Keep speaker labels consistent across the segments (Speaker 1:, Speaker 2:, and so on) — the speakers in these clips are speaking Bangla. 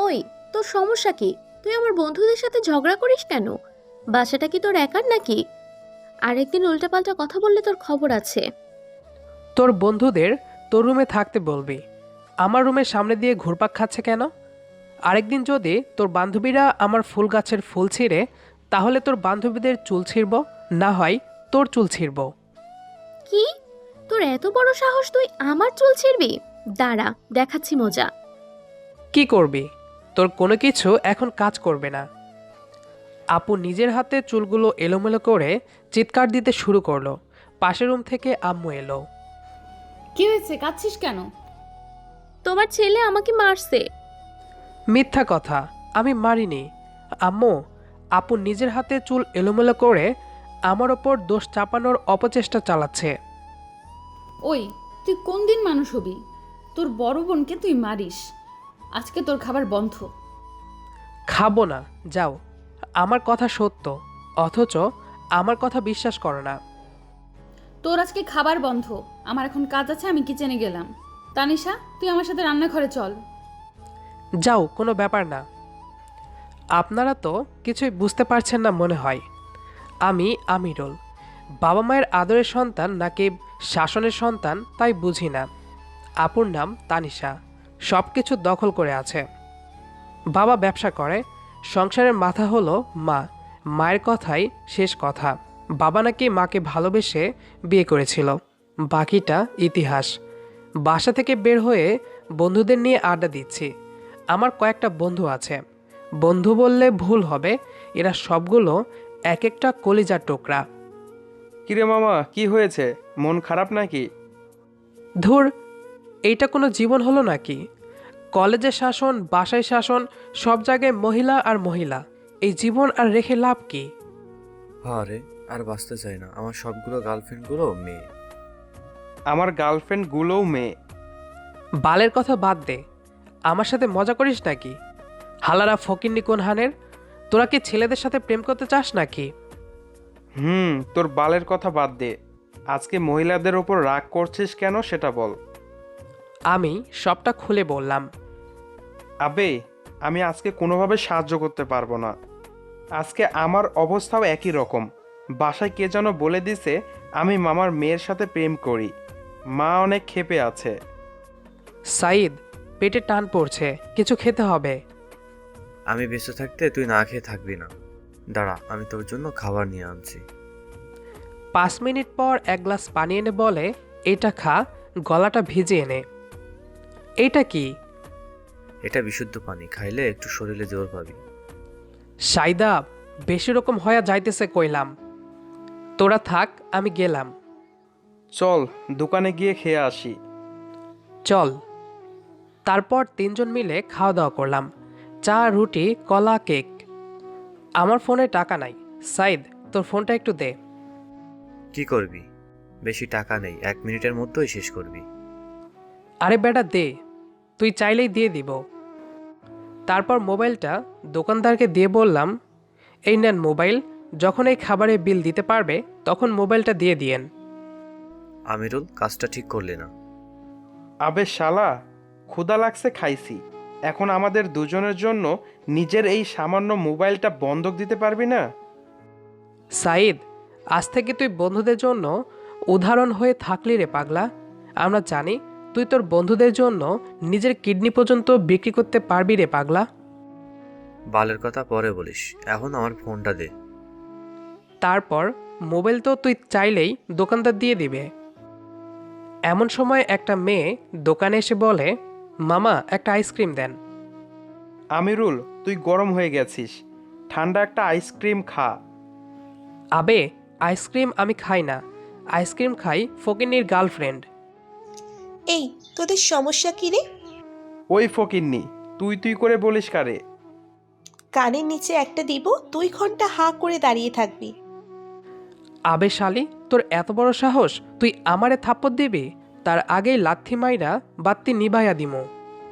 Speaker 1: ওই, তোর সমস্যা কি? তুই আমার বন্ধুদের সাথে ঝগড়া করিস কেন? বাসাটা কি তোর একার নাকি? আরেকদিন উল্টাপাল্টা কথা বললে তোর খবর আছে।
Speaker 2: তোর বন্ধুদের তোর রুমে থাকতে বলবি। আমার রুমের সামনে দিয়ে ঘুরপাক খাচ্ছে কেন? আরেকদিন যদি তোর বান্ধবীরা আমার ফুল গাছের ফুল ছিঁড়ে, তাহলে তোর বান্ধবীদের চুল ছিঁড়ব, না হয় তোর চুল ছিঁড়ব।
Speaker 1: কি? তোর এত বড় সাহস, তুই আমার চুল ছিঁড়বি? দাঁড়া, দেখাচ্ছি মজা।
Speaker 2: কি করবি? তোর কোনো কিছু এখন কাজ করবে না। আপু নিজের হাতে চুলগুলো এলোমেলো করে চিৎকার দিতে শুরু করলো। পাশের রুম থেকে আম্মু এলো।
Speaker 3: কি হয়েছে, কাঁদছিস কেন?
Speaker 1: তোমার ছেলে আমাকে মারছে।
Speaker 2: মিথ্যা কথা, আমি মারিনি। আম্মু, আপু নিজের হাতে চুল এলোমেলো করে আমার ওপর দোষ চাপানোর অপচেষ্টা চালাচ্ছে।
Speaker 3: ওই, তুই কোন দিন মানুষ হবি? তোর বড় বোনকে তুই মারিস। আজকে তোর খাবার বন্ধ।
Speaker 2: খাবো না, যাও। আমার কথা সত্য, অথচ আমার কথা বিশ্বাস করো না।
Speaker 3: তোর আজকে খাবার বন্ধ। আমার এখন কাজ আছে, আমি কিচেনে গেলাম। তানিশা, তুই আমার সাথে রান্নাঘরে চল।
Speaker 2: যাও, কোনো ব্যাপার না। আপনারা তো কিছুই বুঝতে পারছেন না মনে হয়। আমি আমিরুল, বাবা মায়ের আদরের সন্তান নাকি শাসনের সন্তান তাই বুঝি না। আপুর নাম তানিশা, সব কিছু দখল করে আছে। বাবা ব্যবসা করে, সংসারের মাথা হলো মা। মায়ের কথাই শেষ কথা। বাবা নাকি মাকে ভালোবেসে বিয়ে করেছিল, বাকিটা ইতিহাস। বাসা থেকে বের হয়ে বন্ধুদের নিয়ে আড্ডা দিচ্ছি। আমার কয়েকটা বন্ধু আছে, বন্ধু বললে ভুল হবে, এরা সবগুলো এক একটা কলিজার টুকরা।
Speaker 4: কিরে মামা, কি হয়েছে? মন খারাপ নাকি?
Speaker 2: ধুর, এইটা কোনো জীবন হলো নাকি? কলেজে শাসন, বাসায় শাসন, সব জায়গায় মহিলা আর মহিলা। এই জীবন আর রেখে লাভ কি?
Speaker 5: আরে, আর বাঁচতে চাই না। আমার সবগুলো গার্লফ্রেন্ডগুলো মেয়ে।
Speaker 4: আমার গার্লফ্রেন্ড গুলোও মেয়ে।
Speaker 2: বালের কথা বাদ দে, আমার সাথে মজা করিস নাকি? হালারা ফকিন্নি কোন হানের? তোরা কি ছেলেদের সাথে প্রেম করতে চাস নাকি?
Speaker 4: তোর বালের কথা বাদ দে। আজকে মহিলাদের ওপর রাগ করছিস কেন সেটা বল।
Speaker 2: আমি সবটা খুলে বললাম।
Speaker 4: আবে, আমি আজকে কোনোভাবে সাহায্য করতে পারবো না। আজকে আমার অবস্থাও একই রকম। বাসায় কে যেন বলে দিছে আমি মামার মেয়ের সাথে প্রেম করি। মা অনেক ক্ষেপে আছে।
Speaker 2: সাইদ, পেটে টান পড়ছে, কিছু খেতে হবে।
Speaker 5: আমি বেঁচে থাকতে তুই না খেয়ে থাকবি না। দাঁড়া, আমি তোর জন্য খাবার নিয়ে আনছি।
Speaker 2: 5 মিনিট পর এক গ্লাস পানি এনে বলে, এটা খা, গলাটা ভিজিয়ে নে। এইটা কি?
Speaker 5: এটা বিশুদ্ধ পানি, খাইলে একটু শরীরে জোর পাবি।
Speaker 2: সাইদা, বেশি রকম হয়ে যাইতেছে কইলাম। তোরা থাক, আমি গেলাম।
Speaker 4: চল দোকানে গিয়ে খেয়ে আসি।
Speaker 2: চল। তারপর তিনজন মিলে খাওয়া দাওয়া করলাম। চা, রুটি, কলা, কেক। আমার ফোনে টাকা নাই। সাইদ, তোর ফোনটা একটু দে।
Speaker 5: কি করবি? বেশি টাকা নেই, 1 মিনিটের মধ্যেই শেষ করবি।
Speaker 2: আরে বেটা দে, তুই চাইলেই দিয়ে দিব। তারপর মোবাইলটা দোকানদারকে দিয়ে বললাম, এই নেন মোবাইল, যখন এই খাবারের বিল দিতে পারবে তখন মোবাইলটা দিয়ে দিয়েন।
Speaker 5: আমিরুল, কাজটা ঠিক করলি না।
Speaker 4: আবে শালা, ক্ষুধা লাগছে খাইছি। এখন আমাদের দুজনের জন্য নিজের এই সামান্য মোবাইলটা বন্ধক দিতে পারবি না?
Speaker 2: সাইদ, আজ থেকে তুই বন্ধুদের জন্য উদাহরণ হয়ে থাকলি রে পাগলা। আমরা জানি তুই তোর বন্ধুদের জন্য নিজের কিডনি পর্যন্ত বিক্রি করতে পারবি রে পাগলা।
Speaker 5: বালের কথা পরে বলিস, এখন আমার ফোনটা দে।
Speaker 2: তারপর মোবাইল তো তুই চাইলেই দোকানদার দিয়ে দিবে। এমন সময় একটা মেয়ে দোকানে এসে বলে, মামা একটা আইসক্রিম দেন।
Speaker 4: আমিরুল, তুই গরম হয়ে গেছিস, ঠান্ডা একটা আইসক্রিম খা।
Speaker 2: আবে, আইসক্রিম আমি খাই না, আইসক্রিম খাই ফকিন্নির গার্লফ্রেন্ড।
Speaker 6: এই, তোদের সমস্যা কি রে?
Speaker 4: ওই ফকিন্নি, তুই তুই করে বলিস কারে?
Speaker 6: কানের নিচে একটা দিব, 2 ঘন্টা হাঁ করে দাঁড়িয়ে থাকবি।
Speaker 2: আবে শালি, তোর এত বড় সাহস, তুই আমারে থাপ্পড় দিবি? তার আগেই লাথি মাইরা বাত্তি নিভাইয়া দিমু।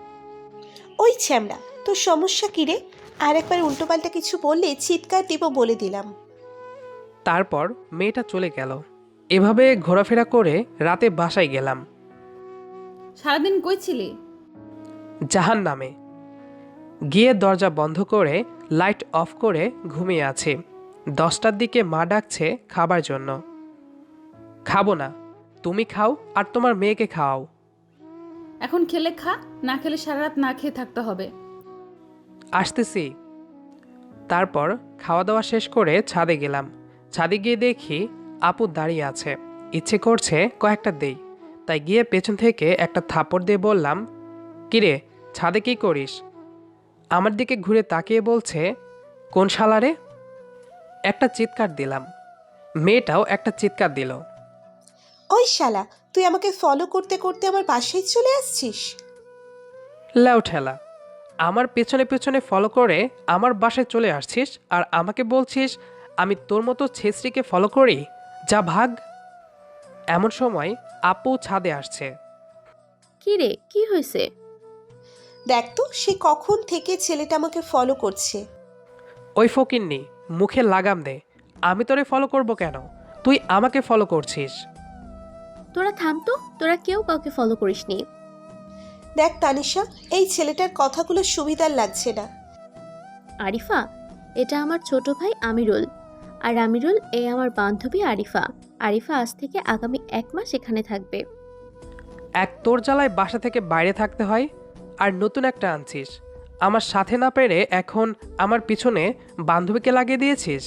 Speaker 6: ওই ছ্যামড়া, তোর সমস্যা কি রে? আর একবার উল্টোপাল্টা কিছু বললে চিৎকার দিব বলে দিলাম।
Speaker 2: তারপর মেয়েটা চলে গেল। এভাবে ঘোরাফেরা করে রাতে বাসায় গেলাম।
Speaker 3: সারাদিন কই ছিলি?
Speaker 2: জাহান নামে। গিয়ে দরজা বন্ধ করে লাইট অফ করে ঘুমিয়ে আছি। 10টার দিকে মা ডাকছে খাবার জন্য। খাবো না, তুমি খাও আর তোমার মেয়েকে খাওয়াও।
Speaker 3: এখন খেলে খা, না খেলে সারা রাত না খেয়ে থাকতে হবে।
Speaker 2: আসতেছি। তারপর খাওয়া দাওয়া শেষ করে ছাদে গেলাম। ছাদে গিয়ে দেখি আপু দাঁড়িয়ে আছে। ইচ্ছে করছে কয়েকটা দেই, তাই গিয়ে পেছন থেকে একটা থাপড় দিয়ে বললাম, কিরে ছাদে কি করিস? আমার দিকে ঘুরে তাকিয়ে বলছে, কোন শালারে? একটা চিৎকার দিলাম। মেয়েটাও একটা চিৎকার দিল।
Speaker 6: ওই শালা, তুই আমাকে ফলো করতে করতে আমার বাসায় চলে আসছিস?
Speaker 2: লাউ ঠেলা, আমার পেছনে পেছনে ফলো করে আমার বাসায় চলে আসছিস আর আমাকে বলছিস আমি তোর মতো ছেসরিকে ফলো করি? যা ভাগ। এমন সময় আপু ছাদে আসছে।
Speaker 1: কি রে, কি হয়েছে?
Speaker 6: দেখ তো, সে কখন থেকে ছেলেটা আমাকে ফলো করছে।
Speaker 2: ওই ফকিন্নি, মুখে লাগাম দে। আমি তোরে ফলো করব কেন? তুই আমাকে ফলো করছিস।
Speaker 1: তোরা থাম তো, তোরা কেউ কাউকে ফলো করিসনি।
Speaker 6: দেখ তানিশা, এই ছেলেটার কথাগুলো সুবিধার লাগছে না।
Speaker 1: আরিফা, এটা আমার ছোট ভাই আমিরুল। আর আমিরুল এ আমার বান্ধবী আরিফা। আরিফা আজ থেকে আগামী 1 মাস এখানে থাকবে।
Speaker 2: এক তোর জ্বালায় বাসা থেকে বাইরে থাকতে হয়, আর নতুন একটা আনছিস। আমার সাথে না পেরে এখন আমার পিছনে বান্ধবীকে লাগিয়ে দিয়েছিস।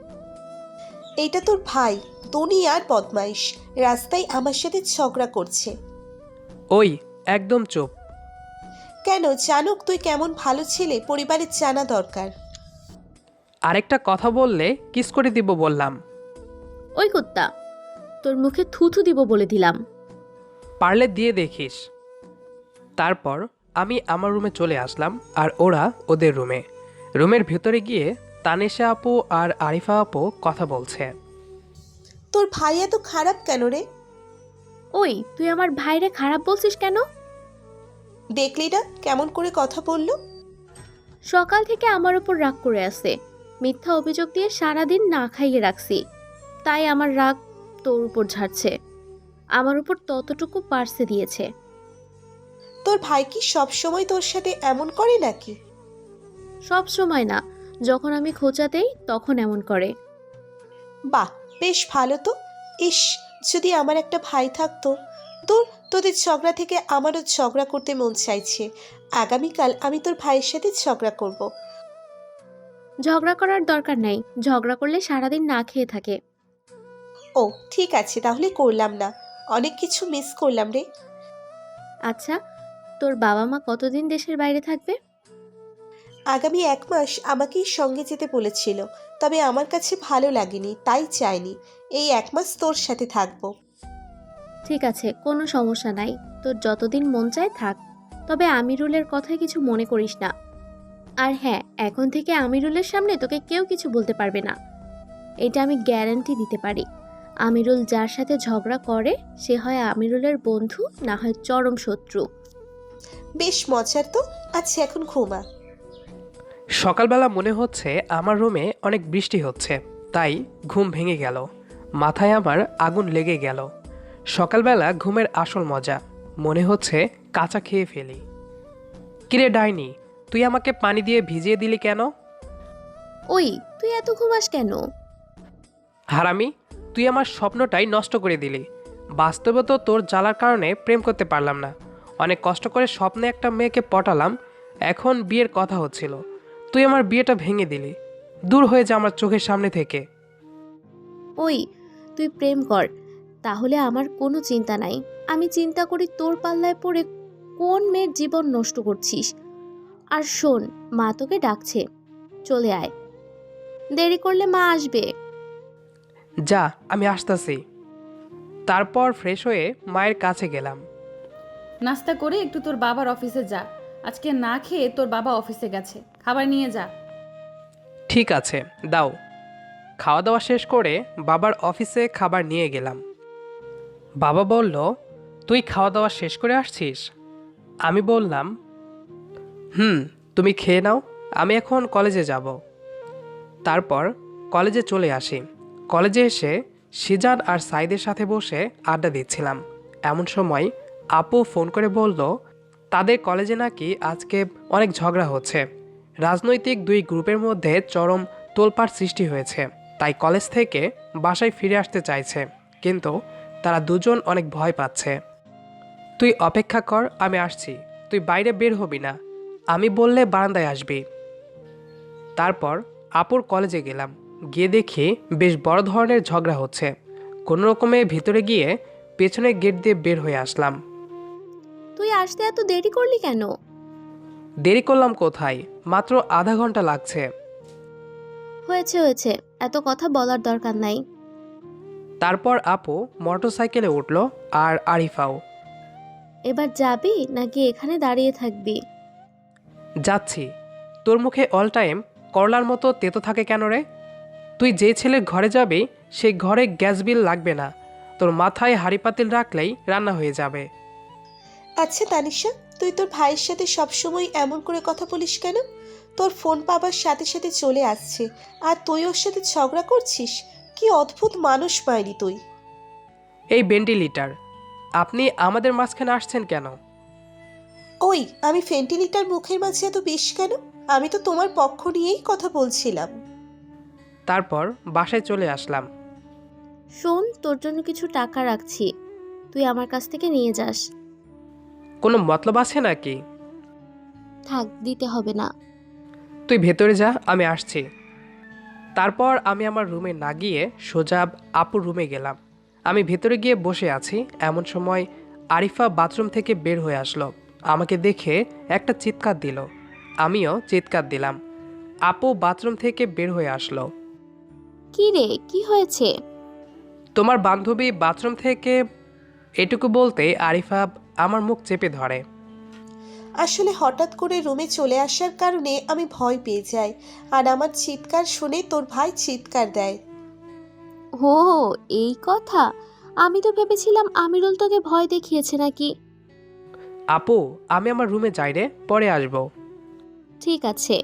Speaker 6: এইটা তোর ভাই তনি আর বদমাইশ, রাস্তায় আমার সাথে ঝগড়া করছে।
Speaker 2: ওই একদম চুপ।
Speaker 6: কেন, জানুক তুই কেমন ভালো ছেলে, পরিবারের জানা দরকার।
Speaker 2: আরেকটা কথা বললে কিস করে দিব বললাম।
Speaker 1: ওই কুত্তা, তোর মুখে থুথু দিব বলে দিলাম।
Speaker 2: পারলে দিয়ে দেখিস। তারপর আমি আমার রুমে চলে আসলাম আর ওরা ওদের রুমে। রুমের ভেতরে গিয়ে তানিশা আপু আর আরিফা আপু কথা বলছে।
Speaker 6: তোর ভাই এত খারাপ কেন রে?
Speaker 1: ওই, তুই আমার ভাইরে খারাপ বলছিস কেন?
Speaker 6: দেখলি না কেমন করে কথা বললো?
Speaker 1: সকাল থেকে আমার উপর রাগ করে আছে। মিথ্যা অভিযোগ দিয়ে সারাদিন না খাইয়ে রাখছি, তাই আমার রাগ তোর উপর ঝাড়ছে। আমার উপর ততটুকু পার্সে দিয়েছে।
Speaker 6: তোর ভাই কি সব সময় তোর সাথে এমন করে নাকি?
Speaker 1: সব সময় না, যখন আমি খোঁচা দেই তখন এমন করে।
Speaker 6: বাহ, বেশ ভালো তো। ইস, যদি আমার একটা ভাই থাকতো। তোদের ঝগড়া থেকে আমারও ঝগড়া করতে মন চাইছে। আগামীকাল আমি তোর ভাইয়ের সাথে ঝগড়া করব।
Speaker 1: ঝগড়া করার দরকার নাই, ঝগড়া করলে সারাদিন না খেয়ে থাকে।
Speaker 6: ও ঠিক আছে, তাহলে করলাম না। অনেক কিছু মিস করলাম রে।
Speaker 1: আচ্ছা, তোর বাবা মা কতদিন দেশের বাইরে থাকবে?
Speaker 6: আগামী 1 মাস আমাকেই সঙ্গে যেতে বলেছিল, তবে আমার কাছে ভালো লাগেনি, তাই চাইনি। এই 1 মাস তোর সাথে থাকবো।
Speaker 1: ঠিক আছে, কোনো সমস্যা নাই। তোর যতদিন মন চায় থাক, তবে আমিরুলের কথায় কিছু মনে করিস না। আর হ্যাঁ, এখন থেকে আমিরুলের সামনে তোকে কেউ কিছু বলতে পারবে না, এটা আমি গ্যারান্টি দিতে পারি। আমিরুল যার সাথে ঝগড়া করে সে হয় আমিরুলের বন্ধু, না হয় চরম শত্রু।
Speaker 6: বেশ মজার তো। আচ্ছা এখন ঘুমা।
Speaker 2: সকালবেলা মনে হচ্ছে আমার রুমে অনেক বৃষ্টি হচ্ছে, তাই ঘুম ভেঙে গেল। মাথায় আমার আগুন লেগে গেল। সকালবেলা ঘুমের আসল মজা। মনে হচ্ছে কাঁচা খেয়ে ফেলি। কিরে ডাইনি, তুই আমাকে পানি দিয়ে ভিজিয়ে দিলি কেন?
Speaker 1: ওই, তুই এত ঘুমাস কেন?
Speaker 2: হারামি, তুই আমার স্বপ্নটাই নষ্ট করে দিলি। বাস্তবে তো তোর জ্বালার কারণে প্রেম করতে পারলাম না। অনেক কষ্ট করে স্বপ্নে একটা মেয়েকে পটালাম, এখন বিয়ের কথা হচ্ছিল, তুই আমার বিয়েটা ভেঙে দিলি। দূর হয়ে যা আমার চোখের সামনে থেকে।
Speaker 1: ওই, তুই প্রেম কর, তাহলে আমার কোনো চিন্তা নাই। আমি চিন্তা করি তোর পাল্লায় পড়ে কোন মেয়ের জীবন নষ্ট করছিস। আর শোন, মা তোকে ডাকছে, চলে আয়, দেরি করলে মা আসবে।
Speaker 2: যা, আমি আসতাছি। তারপর ফ্রেশ হয়ে মায়ের কাছে গেলাম।
Speaker 3: নাস্তা করে একটু তোর বাবার অফিসে যা। আজকে না খেয়ে তোর বাবা অফিসে গেছে, খাবার নিয়ে যা।
Speaker 2: ঠিক আছে, দাও। খাওয়া দাওয়া শেষ করে বাবার অফিসে খাবার নিয়ে গেলাম। বাবা বলল, তুই খাওয়া দাওয়া শেষ করে আসছিস? আমি বললাম, তুমি খেয়ে নাও, আমি এখন কলেজে যাব। তারপর কলেজে চলে আসি। কলেজে এসে সিজান আর সাইদের সাথে বসে আড্ডা দিচ্ছিলাম। এমন সময় আপু ফোন করে বলল, তাদের কলেজে নাকি আজকে অনেক ঝগড়া হচ্ছে, রাজনৈতিক দুই গ্রুপের মধ্যে চরম তোলপাড় সৃষ্টি হয়েছে, তাই কলেজ থেকে বাসায় ফিরে আসতে চাইছে, কিন্তু তারা দুজন অনেক ভয় পাচ্ছে। তুই অপেক্ষা কর, আমি আসছি। তুই বাইরে বের হবি না, আমি বললে বারান্দায় আসবি। তারপর আপুর কলেজে গেলাম, গিয়ে দেখি বেশ বড় ধরনের ঝগড়া হচ্ছে। কোনো রকমে ভিতরে গিয়ে পেছনের গেট দিয়ে বের হয়ে আসলাম।
Speaker 1: তুই আসতে এত দেরি করলি কেন?
Speaker 2: দেরি করলাম কোথায়, মাত্র আধা ঘন্টা লাগছে।
Speaker 1: হয়েছে হয়েছে, এত কথা বলার দরকার নাই।
Speaker 2: তারপর আপু মোটরসাইকেলে উঠল, আর আরিফাও।
Speaker 1: এবার যাবি নাকি এখানে দাঁড়িয়ে থাকবি?
Speaker 2: যাচ্ছি। তোর মুখে অল টাইম করলার মতো তেতো থাকে কেন রে? তুই যে ছেলের ঘরে যাবি সেই ঘরে গ্যাস বিল লাগবে না, তোর মাথায় হাঁড়ি পাতিল রাখলেই রান্না হয়ে যাবে।
Speaker 6: আচ্ছা তানিশা, তুই তোর ভাইয়ের সাথে সবসময় এমন করে কথা বলিস কেন? তোর ফোন পাবার সাথে সাথে চলে আসছে, আর তুই ওর সাথে ঝগড়া করছিস? কি অদ্ভুত মানুষ মাইরি তুই।
Speaker 2: এই ভেন্টিলেটর, আপনি আমাদের মাঝখানে আসছেন কেন?
Speaker 6: ওই, আমি ভেন্টিলেটর মুখের মাঝে এত বিষ কেন? আমি তো তোমার পক্ষ নিয়েই কথা বলছিলাম।
Speaker 2: তারপর বাসায় চলে আসলাম।
Speaker 1: শোন, তোর জন্য কিছু টাকা রাখছি, তুই আমার কাছ থেকে নিয়ে যাস।
Speaker 2: কোনো মতলব আছে নাকি?
Speaker 1: থাক, দিতে হবে না।
Speaker 2: তুই ভেতরে যা, আমি আসছি। তারপর আমি আমার রুমে না গিয়ে সোজা আপুর রুমে গেলাম। আমি ভেতরে গিয়ে বসে আছি, এমন সময় আরিফা বাথরুম থেকে বের হয়ে আসলো। আমাকে দেখে একটা চিৎকার দিল, আমিও চিৎকার দিলাম। আপু বাথরুম থেকে বের হয়ে আসলো।
Speaker 1: কি রে, কি হয়েছে?
Speaker 2: তোমার বান্ধবী বাথরুম থেকে, এটুকু বলতে আরিফা আমার মুখ চেপে ধরে।
Speaker 6: আসলে হঠাৎ করে রুমে চলে আসার কারণে আমি ভয় পেয়ে যাই, আর আমার চিৎকার শুনে তোর ভাই চিৎকার দেয়।
Speaker 1: হো, এই কথা। আমি তো ভেবেছিলাম আমিরুল তোকে ভয় দেখিয়েছে নাকি।
Speaker 2: আপু, আমি আমার রুমে যাই রে, পরে আসবো।
Speaker 1: ঠিক আছে।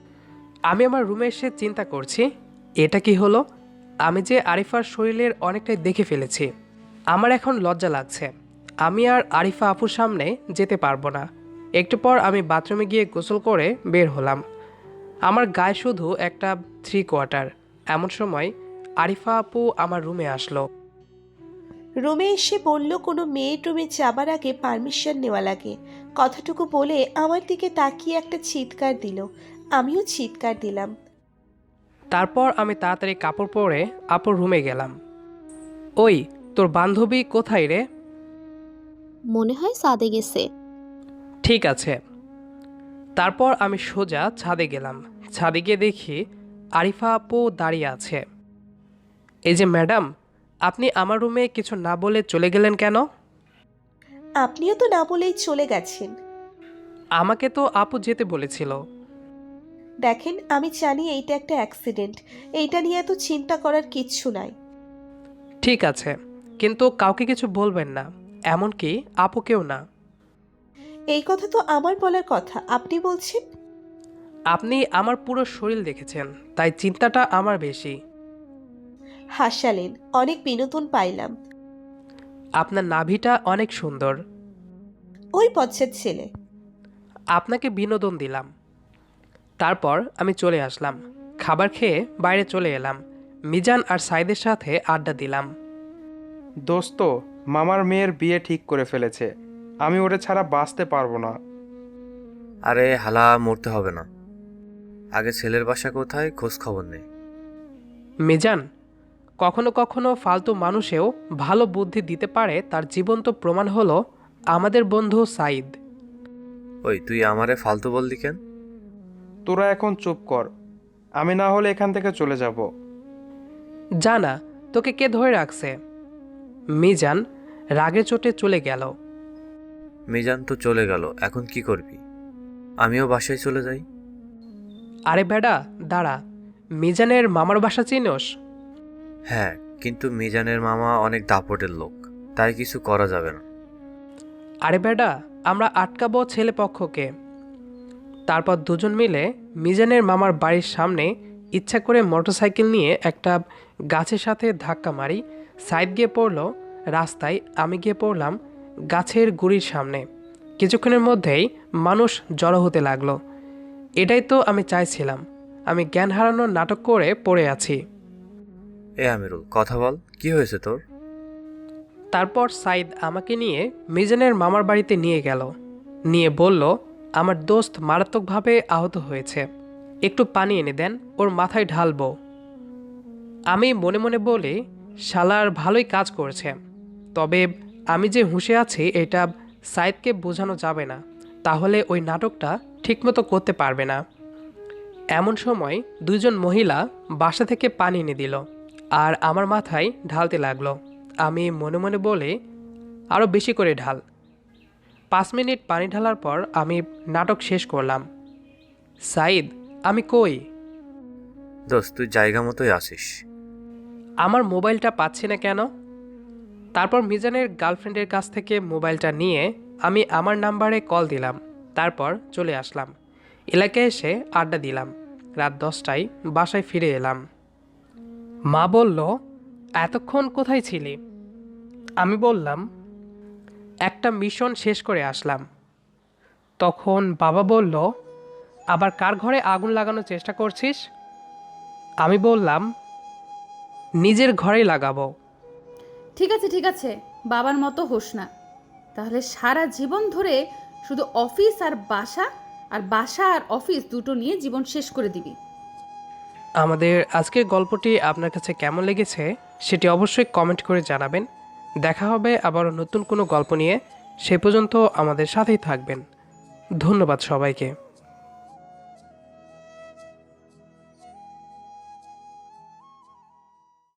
Speaker 2: আমি আমার রুমে এসে চিন্তা করছি, এটা কি হলো? আমি যে আরিফার শরীরের অনেকটাই দেখে ফেলেছি। আমার এখন লজ্জা লাগছে। আমি আর আরিফা আপুর সামনে যেতে পারবো না। একটু পর আমি বাথরুমে গিয়ে গোসল করে বের হলাম। আমার গায়ে শুধু একটা 3/4। এমন সময় আরিফা আপু আমার রুমে আসলো।
Speaker 6: রুমে এসে বলল কোনো মেয়ের রুমে যাবার আগে পারমিশন নেওয়া লাগে। কথাটুকু বলে আমার দিকে তাকিয়ে একটা চিৎকার দিল, আমিও চিৎকার দিলাম।
Speaker 2: তারপর আমি তাড়াতাড়ি কাপড় পরে আপুর রুমে গেলাম। ওই, তোর বান্ধবী কোথায় রে?
Speaker 1: মনে হয় সাদে গেছে।
Speaker 2: ঠিক আছে। তারপর আমি সোজা ছাদে গেলাম। ছাদে গিয়ে দেখি আরিফা আপু দাঁড়িয়ে আছে। এই যে ম্যাডাম, আপনি আমার রুমে কিছু না বলে চলে গেলেন কেন?
Speaker 6: আপনিও তো না বলেই চলে গেছেন।
Speaker 2: আমাকে তো আপু যেতে বলেছিল।
Speaker 6: দেখেন, আমি জানি এইটা একটা অ্যাক্সিডেন্ট, এইটা নিয়ে এত চিন্তা করার কিচ্ছু নাই।
Speaker 2: ঠিক আছে, কিন্তু কাউকে কিছু বলবেন না, এমনকি আপুকেও না।
Speaker 6: এই কথা তো আমার বলার কথা, আপনি বলছেন?
Speaker 2: আপনি আমার পুরো শরীর দেখেছেন, তাই চিন্তাটা আমার বেশি।
Speaker 6: হাসালেন, অনেক বিনোদন পাইলাম।
Speaker 2: আপনার নাভিটা অনেক সুন্দর।
Speaker 6: ওই পচ্ছেদ ছেলে।
Speaker 2: আপনাকে বিনোদন দিলাম। তারপর আমি চলে আসলাম। খাবার খেয়ে বাইরে চলে এলাম। মিজান আর সাইদের সাথে আড্ডা দিলাম।
Speaker 4: দোস্ত, মামার মেয়ের বিয়ে ঠিক করে ফেলেছে, আমি ওরে ছাড়া বাঁচতে পারবো না।
Speaker 5: আরে হালা, মরতে হবে না। আগে ছেলের বাসা কোথায় খোঁজ খবর নেই।
Speaker 2: মিজান, কখনো কখনো ফালতু মানুষেও ভালো বুদ্ধি দিতে পারে, তার জীবন্ত প্রমাণ হলো আমাদের বন্ধু সাইদ।
Speaker 5: ওই, তুই আমারে ফালতু বললি কেন?
Speaker 4: তোরা এখন চুপ কর, আমি না হলে এখান থেকে চলে যাব।
Speaker 2: জানা, তোকে কে ধরে রাখছে? মিজান রাগে চোটে চলে গেল।
Speaker 5: মিজান তো চলে গেল, এখন কি করবি? আমিও বাসায় চলে যাই।
Speaker 2: আরে বেডা, দাঁড়া। মিজানের মামার বাসা চিনোস?
Speaker 5: হ্যাঁ, কিন্তু মিজানের মামা অনেক দাপটের লোক, তাই কিছু করা যাবে না।
Speaker 2: আরে বেডা, আমরা আটকাবো ছেলে পক্ষকে। তারপর দুজন মিলে মিজানের মামার বাড়ির সামনে ইচ্ছা করে মোটরসাইকেল নিয়ে একটা গাছের সাথে ধাক্কা মারি। সাইড গিয়ে পড়ল রাস্তায়, আমি গিয়ে পড়লাম গাছের গুড়ির সামনে। কিছুক্ষণের মধ্যেই মানুষ জড়ো হতে লাগলো। এটাই তো আমি চাইছিলাম। আমি জ্ঞান হারানোর নাটক করে পড়ে আছি।
Speaker 5: এ আমিরুল, কথা বল, কি হয়েছে তোর?
Speaker 2: তারপর সাইদ আমাকে নিয়ে মিজানের মামার বাড়িতে নিয়ে গেল। নিয়ে বলল, আমার দোস্ত মারাত্মকভাবে আহত হয়েছে, একটু পানি এনে দেন, ওর মাথায় ঢালবো। আমি মনে মনে বলি, শালার ভালোই কাজ করেছে, তবে আমি যে হুঁশে আছি এটা সাইদকে বোঝানো যাবে না, তাহলে ওই নাটকটা ঠিকমতো করতে পারবে না। এমন সময় দুজন মহিলা বাসা থেকে পানি এনে দিল আর আমার মাথায় ঢালতে লাগলো। আমি মনে মনে বলি, আরও বেশি করে ঢাল। 5 মিনিট পানি ঢালার পর আমি নাটক শেষ করলাম। সাইদ, আমি কই?
Speaker 5: দোস্ত, তুই জায়গা মতোই আসিস।
Speaker 2: আমার মোবাইলটা পাচ্ছি না কেন? তারপর মিজানের গার্লফ্রেন্ডের কাছ থেকে মোবাইলটা নিয়ে আমি আমার নাম্বারে কল দিলাম। তারপর চলে আসলাম। এলাকায় এসে আড্ডা দিলাম। রাত 10টায় বাসায় ফিরে এলাম। মা বলল, এতক্ষণ কোথায় ছিলি? আমি বললাম, একটা মিশন শেষ করে আসলাম। তখন বাবা বলল, আবার কার ঘরে আগুন লাগানোর চেষ্টা করছিস? আমি বললাম, নিজের ঘরেই লাগাবো।
Speaker 3: ঠিক আছে, বাবার মতো হোস না। তাহলে সারা জীবন ধরে শুধু অফিস আর বাসা, আর বাসা আর অফিস দুটো নিয়ে জীবন শেষ করে দিবি।
Speaker 2: আমাদের আজকের গল্পটি আপনার কাছে কেমন লেগেছে সেটি অবশ্যই কমেন্ট করে জানাবেন। দেখা হবে আবারও নতুন কোনো গল্প নিয়ে। সে পর্যন্ত আমাদের সাথেই থাকবেন। ধন্যবাদ সবাইকে।